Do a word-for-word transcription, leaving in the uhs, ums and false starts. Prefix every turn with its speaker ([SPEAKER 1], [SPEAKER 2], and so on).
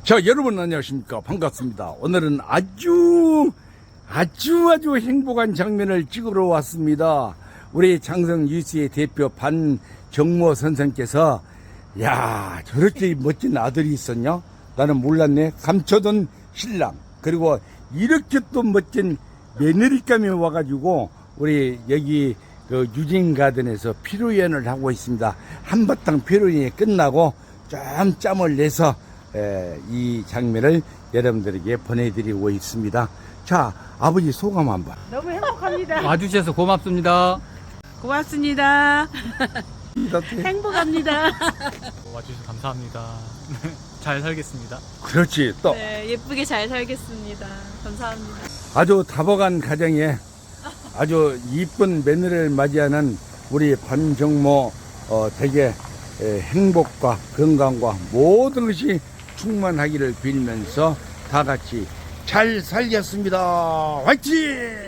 [SPEAKER 1] 자, 여러분 안녕하십니까. 반갑습니다. 오늘은 아주 아주 아주 행복한 장면을 찍으러 왔습니다. 우리 장성 유씨의 대표 반정모 선생께서 야, 저렇게 멋진 아들이 있었냐? 나는 몰랐네. 감춰둔 신랑, 그리고 이렇게 또 멋진 며느리감이 와가지고 우리 여기 그 유진가든에서 피로연을 하고 있습니다. 한바탕 피로연이 끝나고 좀 짬을 내서 에, 이 장면을 여러분들에게 보내드리고 있습니다. 자, 아버지 소감 한번.
[SPEAKER 2] 너무 행복합니다.
[SPEAKER 3] 와주셔서 고맙습니다.
[SPEAKER 2] 고맙습니다. 행복합니다.
[SPEAKER 3] 와주셔서 감사합니다. 잘 살겠습니다.
[SPEAKER 1] 그렇지. 또
[SPEAKER 2] 네, 예쁘게 잘 살겠습니다. 감사합니다.
[SPEAKER 1] 아주 다복한 가정에 아주 이쁜 며느리를 맞이하는 우리 반정모 어, 댁의 에, 행복과 건강과 모든 것이 충만하기를 빌면서 다 같이 잘 살겠습니다. 화이팅!